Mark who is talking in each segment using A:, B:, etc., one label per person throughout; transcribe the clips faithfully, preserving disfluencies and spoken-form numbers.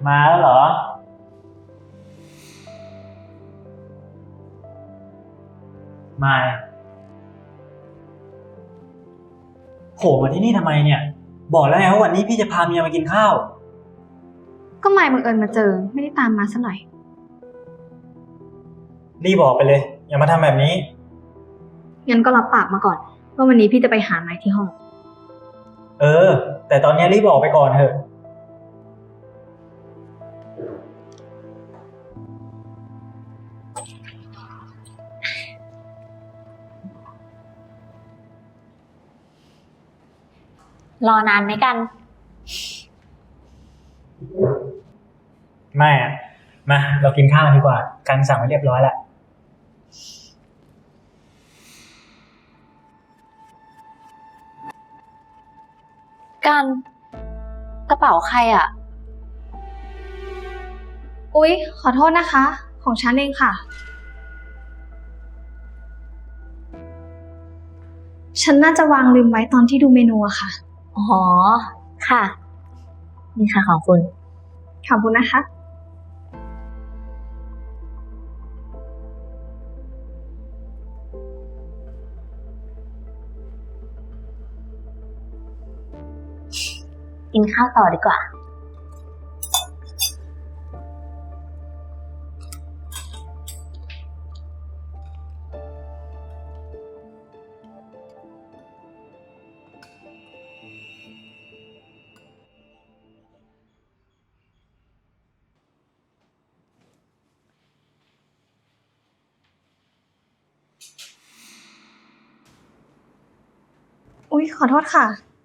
A: มาแล้วเหรอมาโผล่มาที่นี่ทำไมเนี่ยบอกแล้วไงว่าวันนี้พี่จะพาเมียมากินข้าว
B: ก็ไม่บังเอิญมาเจอไม่ได้ตามมาซะหน่อย
A: รีบบอกไปเลยอย่ามาทำแบบนี้
B: งั้นก็รับปากมาก่อนว่าวันนี้พี่จะไปหาไม้ที่ห้อง
A: เออแต่ตอนนี้รีบบอกไปก่อนเถอะ
C: รอนานไหมกัน
A: ไม่อะมาเรากินข้าวดีกว่ากันสั่งไว้เรียบร้อยแล้ว
C: กันกระเป๋าใครอ่ะ
B: อุ๊ยขอโทษนะคะของฉันเองค่ะฉันน่าจะวางลืมไว้ตอนที่ดูเมนูอะค่ะ
C: อ๋อค่ะนี่ค่ะของคุณ
B: ขอบคุณนะคะ
C: กินข้าวต่อดีกว่า
B: อุ๊ยขอโทษค่ะ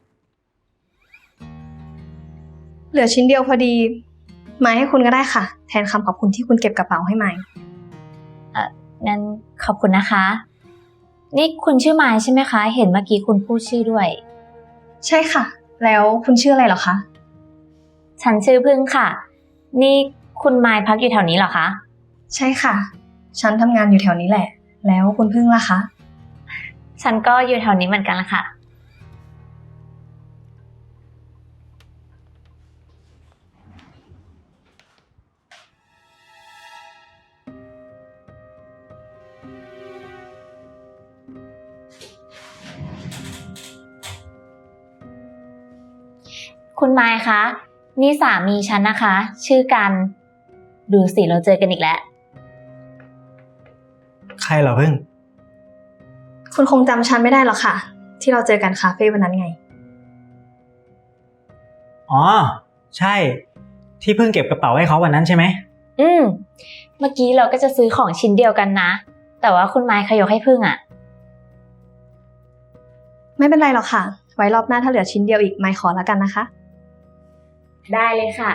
B: เหลือชิ้นเดียวพอดีไม้ให้คุณก็ได้ค่ะแทนคำขอบคุณที่คุณเก็บกระเป๋าให้ไม้
C: เอ่องั้นขอบคุณนะคะนี่คุณชื่อไม้ใช่ไหมคะเห็นเมื่อกี้คุณพูดชื่อด้วย
B: ใช่ค่ะแล้วคุณชื่ออะไรเหรอคะ
C: ฉันชื่อพึ่งค่ะนี่คุณไม้พักอยู่แถวนี้เหรอคะ
B: ใช่ค่ะฉันทำงานอยู่แถวนี้แหละแล้วคุณพึ่งล่ะคะ
C: ฉันก็อยู่แถวนี้เหมือนกันละค่ะคุณไมค์คะนี่สามีฉันนะคะชื่อกันดูสิเราเจอกันอีกแล้ว
A: ใครเหรอพึ่ง
B: คุณคงจำฉันไม่ได้หรอกค่ะที่เราเจอกันคาเฟ่วันนั้นไง
A: อ๋อใช่ที่พึ่งเก็บกระเป๋าให้เขาวันนั้นใช่ไหม
C: อืมเมื่อกี้เราก็จะซื้อของชิ้นเดียวกันนะแต่ว่าคุณไมค์ขยกให้พึ่งอ่ะ
B: ไม่เป็นไรหรอกค่ะไว้รอบหน้าถ้าเหลือชิ้นเดียวอีกไมค์ขอแล้วกันนะคะ
C: ได้เลยค่ะ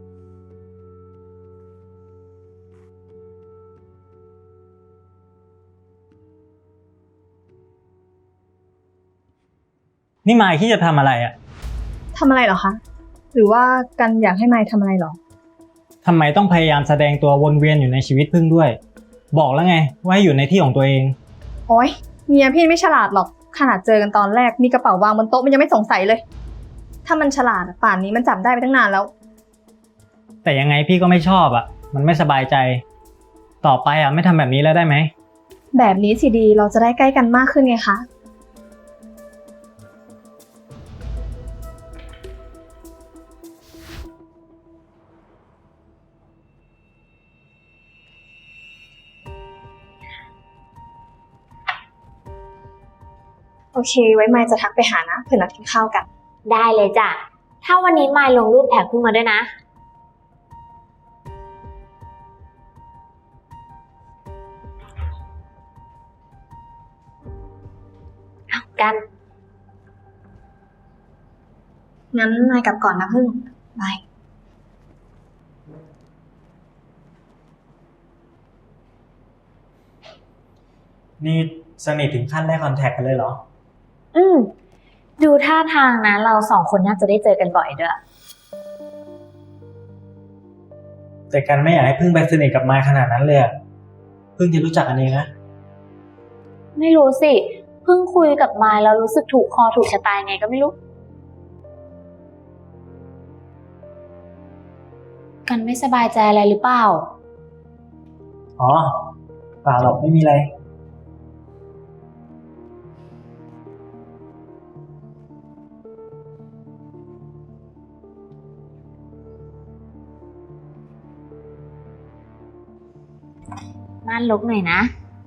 A: นี่มายที่จะทำอะไรอ่ะ
B: ทำอะไรเหรอคะหรือว่ากันอยากให้ไมค์ทำอะไรหรอ
A: ทำไมต้องพยายามแสดงตัววนเวียนอยู่ในชีวิตพึ่งด้วยบอกแล้วไงว่าให้อยู่ในที่ของตัวเอง
B: โอ๊ยเมียพี่ไม่ฉลาดหรอกขนาดเจอกันตอนแรกมีกระเป๋าวางบนโต๊ะมันยังไม่สงสัยเลยถ้ามันฉลาดป่านนี้มันจับได้ไปตั้งนานแล้ว
A: แต่ยังไงพี่ก็ไม่ชอบอ่ะมันไม่สบายใจต่อไปอ่ะไม่ทำแบบนี้แล้วได้ไหม
B: แบบนี้สิดีเราจะได้ใกล้กันมากขึ้นไงคะโอเคไว้ไมค์จะทักไปหานะเผื่อนัดกินข้าวกัน
C: ได้เลยจ้ะถ้าวันนี้ไมค์ลงรูปแท็กพึ่งมาด้วยนะเอากัน
B: งั้นไมค์กลับก่อนนะพึ่งบาย
A: นี่สนิทถึงขั้นได้คอนแทคกันเลยเหรอ
C: อืมดูท่าทางนะเราสองคนน่าจะได้เจอกันบ่อยด้วย
A: แต่กันไม่อยากให้พึ่งไปสนิทกับมายขนาดนั้นเลยพึ่งจะรู้จักกันเองนะ
C: ไม่รู้สิเพิ่งคุยกับมายแล้วรู้สึกถูกคอถูกชะตาไงก็ไม่รู้กันฉันไม่สบายใจอะไรหรือเปล่า
A: อ๋อเปล่าหรอกไม่มีอะไร
C: ม่านลกหน่อยนะ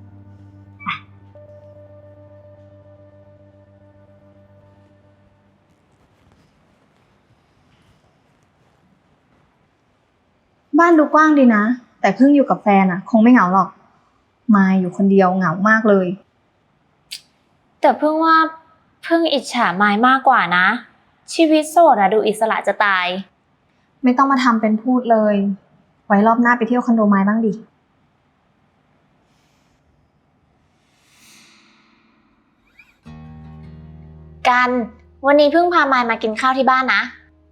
B: บ้านดูกว้างดีนะ แต่เพิ่งอยู่กับแฟนอะคงไม่เหงาหรอกมายอยู่คนเดียวเหงามากเลย
C: แต่เพิ่งว่าเพิ่งอิจฉามายมากกว่านะ ชีวิตโสดอะดูอิสระจะตาย
B: ไม่ต้องมาทำเป็นพูดเลย ไว้รอบหน้าไปเที่ยวคอนโดไม้บ้างดิ
C: กันวันนี้เพิ่งพามายมากินข้าวที่บ้านนะ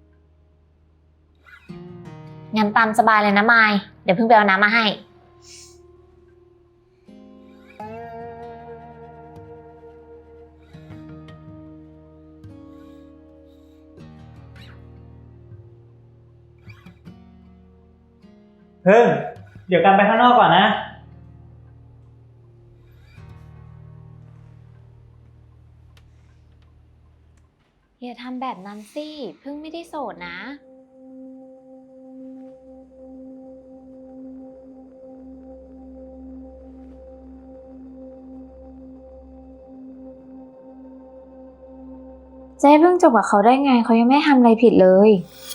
C: งั้นตามสบายเลยนะมายเดี๋ยวเพิ่งไปเอาน้ำมาให้
A: เพิ่งเดี๋ยวกันไปข้างนอกก่อนนะ
C: อย่าทำแบบนั้นสิเพิ่งไม่ได้โสดนะ เจ๊เพิ่งจบกับเขาได้ไงเขายังไม่ทำอะไรผิดเลย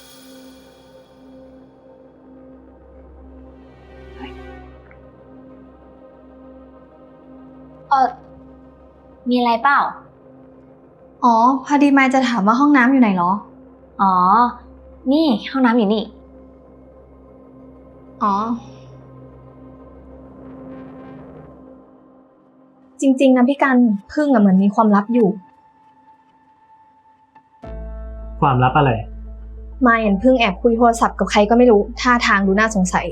C: เออมีอะไรเปล่า
B: อ๋อ พอดีมายจะถามว่าห้องน้ำอยู่ไหนเหรอ
C: อ๋อ นี่ห้องน้ำอยู่นี่
B: อ๋อ จริงๆนะพี่กันพึ่งอะเหมือนมีความลับอยู่
A: ความลับอะไร
B: มายเห็นพึ่งแอบคุยโทรศัพท์กับใครก็ไม่รู้ท่าทางดูน่าสงสัย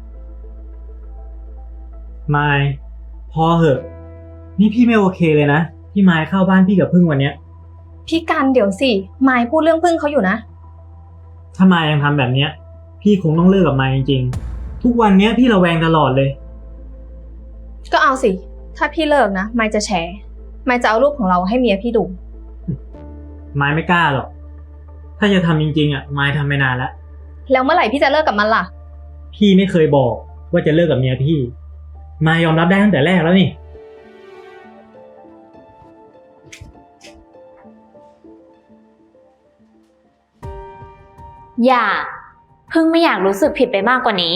A: มายพอเหอะ นี่พี่ไม่โอเคเลยนะที่มายเข้าบ้านพี่กับพึ่งวันเนี้ย
B: พี่กันเดี๋ยวสิมายพูดเรื่องพึ่งเขาอยู่นะ
A: ถ้ามายยังทำแบบเนี้ย พี่คงต้องเลิกกับมายจริงๆ ทุกวันเนี้ยพี่ระแวงตลอดเลย
B: ก็เอาสิ ถ้าพี่เลิกนะมายจะแฉมายจะเอารูปของเราให้เมียพี่ดู
A: มายไม่กล้าหรอก ถ้าจะทำจริงๆอ่ะมายทำไปนานแล้ว
B: แล้วเมื่อไหร่พี่จะเลิกกับมันล่ะ
A: พี่ไม่เคยบอกว่าจะเลิกกับเมียพี่ มายยอมรับได้ตั้งแต่แรกแล้วนี่
C: อย่าเพิ่งไม่อยากรู้สึกผิดไปมากกว่านี้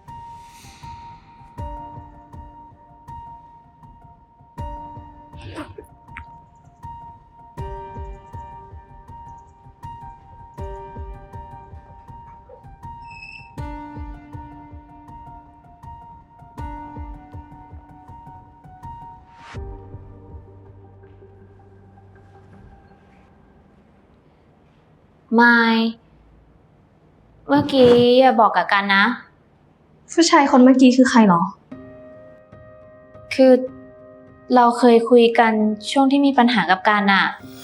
C: ไม่เมื่อกี้อย่าบอกกับกันนะ
B: ผู้ชายคนเมื่อกี้คือใครเหรอ
C: คือเราเคยคุยกันช่วงที่มีปัญหากับกันอะ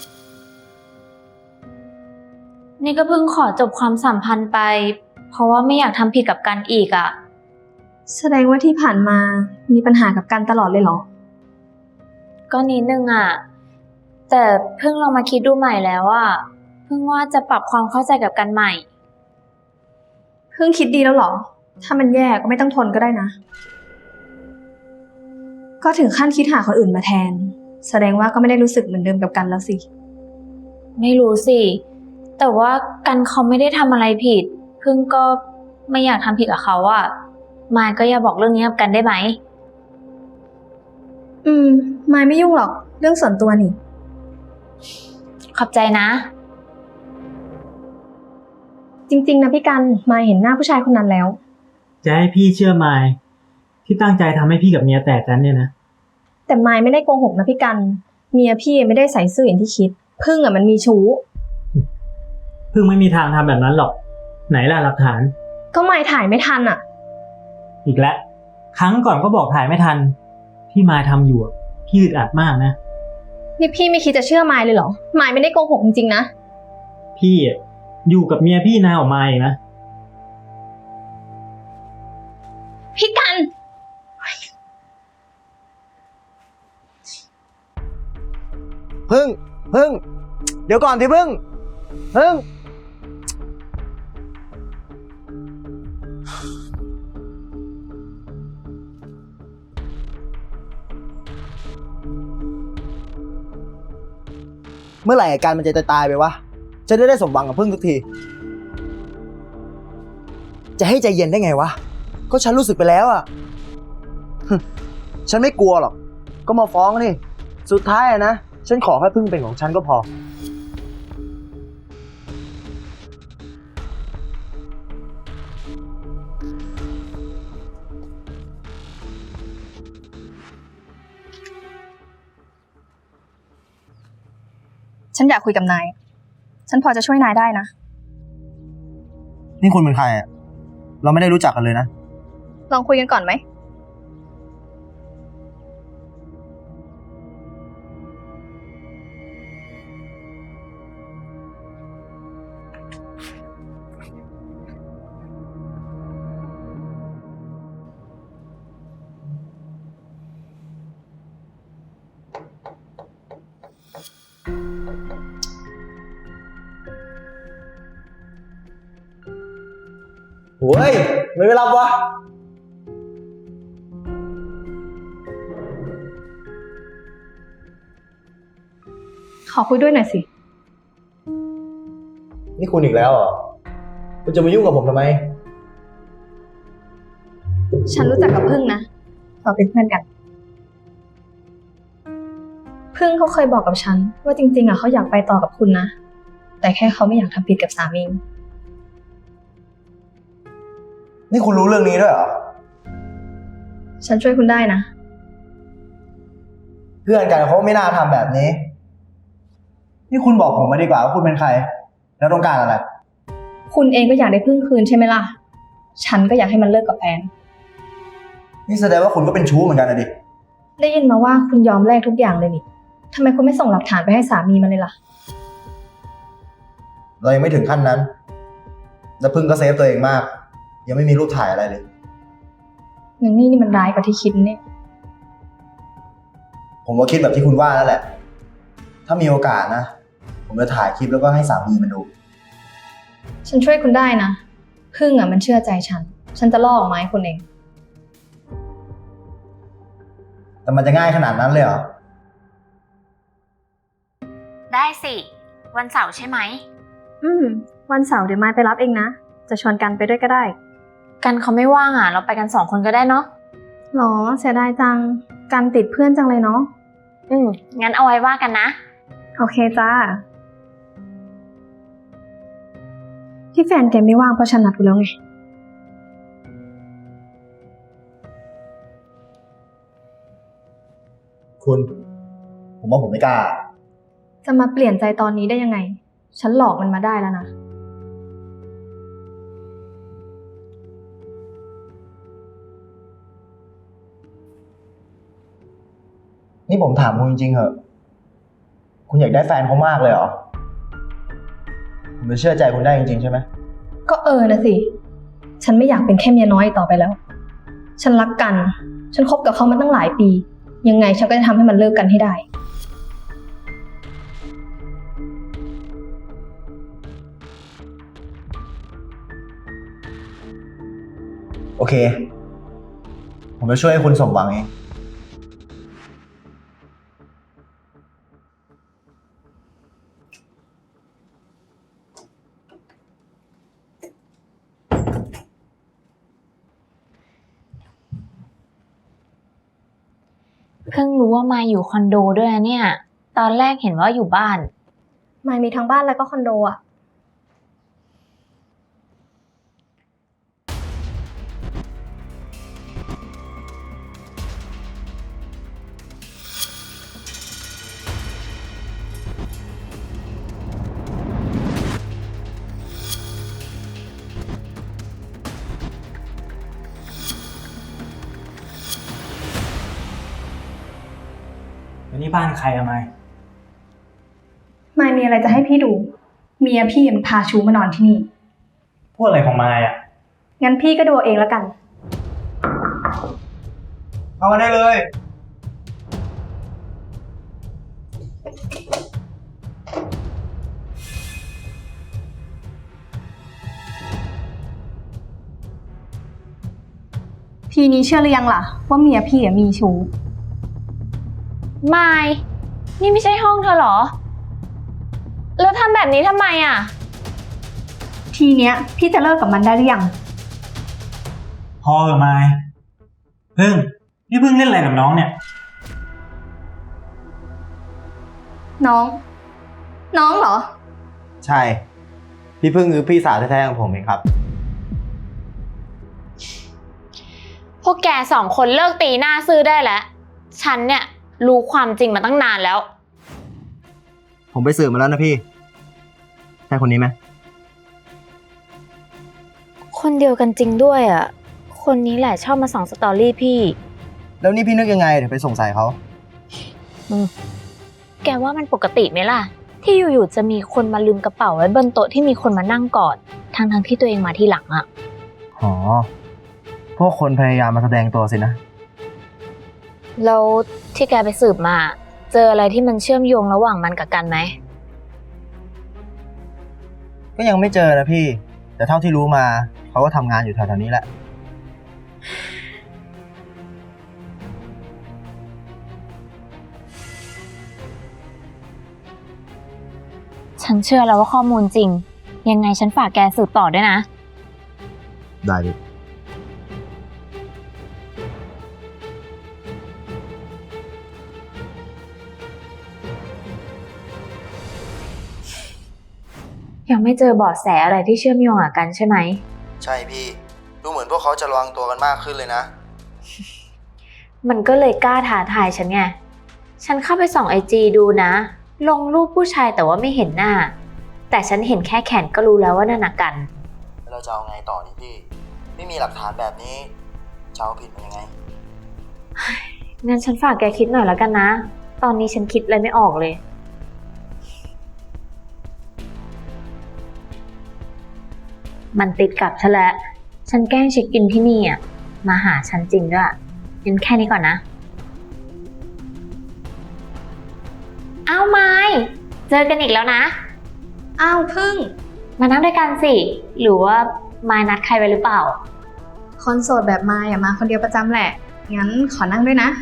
C: นี่ก็เพิ่งขอจบความสัมพันธ์ไป เพราะว่าไม่อยากทำผิดกับกันอีกอะ
B: แสดงว่าที่ผ่านมามีปัญหากับกันตลอดเลยเหรอ
C: ก็นิดนึงอะแต่เพิ่งลองมาคิดดูใหม่แล้วอะเพิ่งว่าจะปรับความเข้าใจกับกันใหม่
B: เพิ่งคิดดีแล้วเหรอ ถ้ามันแย่ก็ไม่ต้องทนก็ได้นะ ก็ถึงขั้นคิดหาคนอื่นมาแทน แสดงว่าก็ไม่ได้รู้สึกเหมือนเดิมกับกันแล้วสิ
C: ไม่รู้สิ แต่ว่ากันเขาไม่ได้ทำอะไรผิด เพิ่งก็ไม่อยากทำผิดกับเขาอะมายก็อย่าบอกเรื่องนี้กับกันได้ไหม
B: อืมมายไม่ยุ่งหรอก เรื่องส่วนตัวนี่
C: ขอบใจนะ
B: จริงๆนะพี่กันมายเห็นหน้าผู้ชายคนนั้นแล้ว
A: จะให้พี่เชื่อมายที่ตั้งใจทำให้พี่กับเมียแตกกันเนี่ยนะ
B: แต่มายไม่ได้โกหกนะพี่กัน เมียพี่ไม่ได้ใส่ซื่ออย่างที่คิด พึ่งอ่ะมันมีชู้
A: พึ่งไม่มีทางทำแบบนั้นหรอก ไหนล่ะหลักฐาน
B: ก็มายถ่ายไม่ทันอ่ะ
A: อีกแล้วครั้งก่อนก็บอกถ่ายไม่ทัน ที่มายทำอยู่อะพี่อึดอัดมากนะ
B: นี่พี่ไม่คิดจะเชื่อมายเลยเหรอ มายไม่ได้โกหกจริงๆนะ
A: พี่อะอยู่กับเมียพี่นานออกมาอีกนะ
D: พึ่งพึ่งเดี๋ยวก่อนที่พึ่งพึ่งเมื่อไหร่อาการมันจะตายไปวะจะได้ได้สมหวังกับพึ่งทุกทีจะให้ใจเย็นได้ไงวะก็ฉันรู้สึกไปแล้วอ่ะ ฉันไม่กลัวหรอกก็มาฟ้องนี่สุดท้ายอะนะฉันขอแค่พึ่งเป็นของฉันก็พอ
B: ฉันอยากคุยกับนาย ฉันพอจะช่วยนายได้นะ
D: นี่คุณเป็นใครอ่ะเราไม่ได้รู้จักกันเลยนะ
B: ลองคุยกันก่อนไหม
D: โอ้ยไม่ไปรับวะ
B: ขอคุยด้วยหน่อยสิ
D: นี่คุณอีกแล้วเหรอคุณจะมายุ่งกับผมทำไม
B: ฉันรู้จักกับพึ่งนะ เราเป็นเพื่อนกัน พึ่งเขาเคยบอกกับฉันว่าจริงๆอ่ะเขาอยากไปต่อกับคุณนะ แต่แค่เขาไม่อยากทำผิดกับสามี
D: นี่คุณรู้เรื่องนี้ด้วยเหรอ
B: ฉันช่วยคุณได้นะ
D: เพื่อนกันเขาไม่น่าทำแบบนี้ นี่คุณบอกผมมาดีกว่าว่าคุณเป็นใคร แล้วต้องการอะไร
B: คุณเองก็อยากได้พึ่งคืนใช่ไหมล่ะ ฉันก็อยากให้มันเลิกกับแฟน
D: นี่แสดงว่าคุณก็เป็นชู้เหมือนกันนะดิ
B: ได้ยินมาว่าคุณยอมแลกทุกอย่างเลยนี่ทำไมคุณไม่ส่งหลักฐานไปให้สามีมันเลยล่ะ
D: เรายังไม่ถึงขั้นนั้น แล้วพึ่งก็เซฟตัวเองมาก ยังไม่มีรูปถ่ายอะไรเลย
B: อย่างนี้นี่มันร้ายกว่าที่คิดเนี่ย
D: ผมก็คิดแบบที่คุณว่านั่นแหละ ถ้ามีโอกาสนะ ผมจะถ่ายคลิปแล้วก็ให้สามีมันดู
B: ฉันช่วยคุณได้นะ พึ่งอ่ะมันเชื่อใจฉัน ฉันจะล่อออกมาให้คุณเอง
D: แต่มันจะง่ายขนาดนั้นเลยเหรอ
C: ได้สิ วันเสาร์ใช่ไหม
B: อืม วันเสาร์เดี๋ยวมายไปรับเองนะ จะชวนกันไปด้วยก็ได้
C: กันเขาไม่ว่างอ่ะ เราไปกันสองคนก็ได้เนาะ
B: หรอเสียดายจัง กันติดเพื่อนจังเลยเนาะ
C: อืมงั้นเอาไว้ว่ากันนะ
B: โอเคจ้า ที่แฟนแกไม่ว่างเพราะฉันนัดกูแล้วไง
D: คุณ ผมว่าผมไม่กล้า
B: จะมาเปลี่ยนใจตอนนี้ได้ยังไง ฉันหลอกมันมาได้แล้วนะ
D: นี่ผมถามคุณจริงๆเหอะ คุณอยากได้แฟนเขามากเลยเหรอ ผมจะเชื่อใจคุณได้จริงๆใช่ไหม
B: ก็เออนะสิ ฉันไม่อยากเป็นแค่เมียน้อยต่อไปแล้ว ฉันรักกัน ฉันคบกับเขามาตั้งหลายปี ยังไงฉันก็จะทำให้มันเลิกกันให้ได้
D: โอเค ผมจะช่วยให้คุณสมหวังเอง
C: เพิ่งรู้ว่ามาอยู่คอนโดด้วยนะเนี่ย ตอนแรกเห็นว่าอยู่บ้าน
B: มายมีทั้งบ้านแล้วก็คอนโดอ่ะ
A: แล้วนี่บ้านใครอะไม
B: มายมีอะไรจะให้พี่ดู เมียพี่มันพาชูมานอนที่นี่
A: พูดอะไรของมายอะ
B: งั้นพี่ก็ดูเอาเองแล้วกัน
D: เข้ามาได้เลย
B: ทีนี้เชื่อหรือยังล่ะว่าเมียพี่อะมีชู้
C: มายนี่ไม่ใช่ห้องเธอเหรอ แล้วทำแบบนี้ทำไมอ่ะ
B: ทีเนี้ยพี่จะเลิกกับมันได้หรือยัง
A: พอเถอะไมายพึ่งนี่พึ่งเล่นอะไรกับน้องเนี่ย
B: น้อง น้องเหรอ
D: ใช่ พี่พึ่งคือพี่สาวแท้ๆของผมเองครับ
C: พวกแกสองคนเลิกตีหน้าซื่อได้แล้ว ฉันเนี่ยรู้ความจริงมาตั้งนานแล้ว
D: ผมไปสืบมาแล้วนะพี่ ใช่คนนี้ไหม
C: คนเดียวกันจริงด้วยอ่ะ คนนี้แหละชอบมาส่องสตอรี่พี่
D: แล้วนี่พี่นึกยังไงถึงไปสงสัยเขา
C: แกว่ามันปกติไหมล่ะ ที่อยู่ๆจะมีคนมาลืมกระเป๋าไว้บนโต๊ะที่มีคนมานั่งกอดทั้งๆที่ตัวเองมาทีหลังอ่ะ
D: อ๋อ พวกคนพยายามมาแสดงตัวสินะ
C: แล้วที่แกไปสืบมา เจออะไรที่มันเชื่อมโยงระหว่างมันกับกันไหม
D: ก็ยังไม่เจอนะพี่ แต่เท่าที่รู้มาเขาก็ทำงานอยู่แถวๆนี้แหละ
C: ฉันเชื่อแล้วว่าข้อมูลจริง ยังไงฉันฝากแกสืบต่อด้วยนะ
D: ได้ดิ
C: ยังไม่เจอเบาะแสอะไรที่เชื่อมโยงกับกันใช่ไหม
D: ใช่พี่ ดูเหมือนพวกเขาจะระวังตัวกันมากขึ้นเลยนะ
C: มันก็เลยกล้าท้าทายฉันไง ฉันเข้าไปส่องไอจีดูนะ ลงรูปผู้ชายแต่ว่าไม่เห็นหน้า แต่ฉันเห็นแค่แขนก็รู้แล้วว่านั่นน่ะกัน
D: เราจะเอาไงต่อนี่พี่ ไม่มีหลักฐานแบบนี้จะเอาผิดมันยังไง
C: งั้นฉันฝากแกคิดหน่อยแล้วกันนะ ตอนนี้ฉันคิดอะไรไม่ออกเลย มันติดกับฉันแล้ว ฉันแกล้งเช็คอินที่นี่อ่ะ มาหาฉันจริงด้วยงั้นแค่นี้ก่อนนะ อ้าวไม้เจอกันอีกแล้วนะ
B: อ้าวพึ่ง
C: มานั่งด้วยกันสิ หรือว่าไม้นัดใครไว้หรือเปล่า
B: คนโสดแบบมายอะมาคนเดียวประจำแหละ งั้นขอนั่งด้วยนะ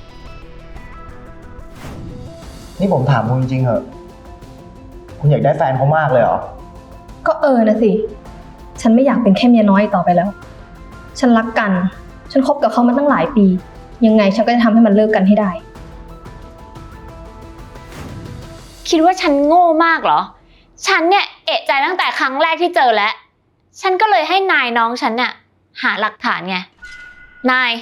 D: นี่ผมถามคุณจริงๆเหอะ คุณอยากได้แฟนเขามากเลยเหรอ
B: ก็เออนะสิ ฉันไม่อยากเป็นแค่เมียน้อยต่อไปแล้ว ฉันรักกัน ฉันคบกับเขามาตั้งหลายปี ยังไงฉันก็จะทำให้มันเลิกกันให้ได้
C: คิดว่าฉันโง่มากเหรอ ฉันเนี่ยเอะใจตั้งแต่ครั้งแรกที่เจอแล้ว ฉันก็เลยให้นายน้องฉันเนี่ยหาหลักฐานไง นาย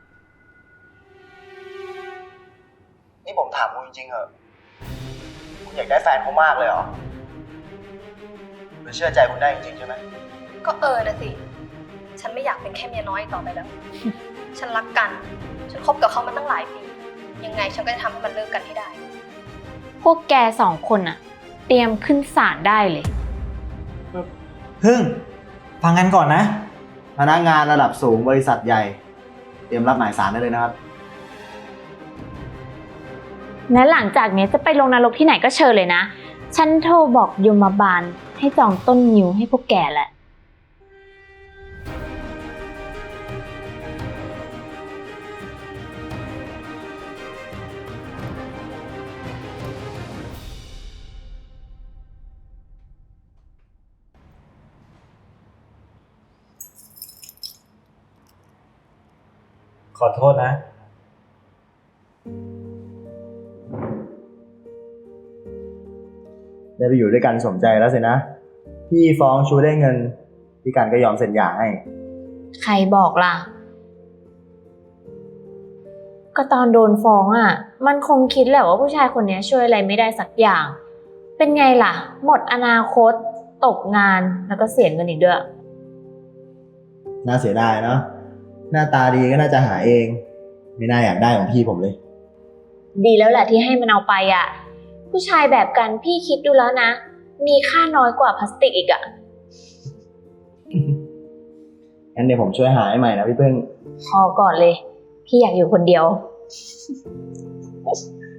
D: นี่ผมถามคุณจริงๆเหอะ คุณอยากได้แฟนเขามากเลยเหรอหรือเชื่อใจคุณได้จริงๆใช่ไหม
B: ก็เออนะสิ ฉันไม่อยากเป็นแค่เมียน้อยต่อไปแล้ว ฉันรักกัน ฉันคบกับเขามาตั้งหลายปี ยังไงฉันก็จะทำให้มันเลิกกันให้ได้
C: พวกแกสองคนอะเตรียมขึ้นศาลได้เลย
A: พึ่ง ฟังกันก่อนนะ
D: พนักงานระดับสูงบริษัทใหญ่ เตรียมรับหมายสารได้เลยนะครับ
C: และหลังจากนี้จะไปลงนรกที่ไหนก็เชิญเลยนะ ฉันโทรบอกยมบาลให้จองต้นนิ้วให้พวกแกแหละ
A: ขอโทษนะ
D: ได้ไปอยู่ด้วยกันสมใจแล้วสินะ พี่ฟ้องชูได้เงิน พี่กันก็ยอมเซ็นหย่าให้
C: ใครบอกล่ะ ก็ตอนโดนฟ้องอ่ะ มันคงคิดแหละว่าผู้ชายคนนี้ช่วยอะไรไม่ได้สักอย่าง เป็นไงล่ะ หมดอนาคต ตกงาน แล้วก็เสียเงินอีกด้วย
D: น่าเสียดายเนาะ หน้าตาดีก็น่าจะหาเอง ไม่น่าอยากได้ของพี่ผมเลย
C: ดีแล้วแหละที่ให้มันเอาไปอ่ะ ผู้ชายแบบกันพี่คิดดูแล้วนะ มีค่าน้อยกว่าพลาสติกอีกอ่ะ
D: งั้นเดี๋ยวผมช่วยหาให้ใหม่นะพี่พึ่ง
C: พอก่อนเลย พี่อยากอยู่คนเดียว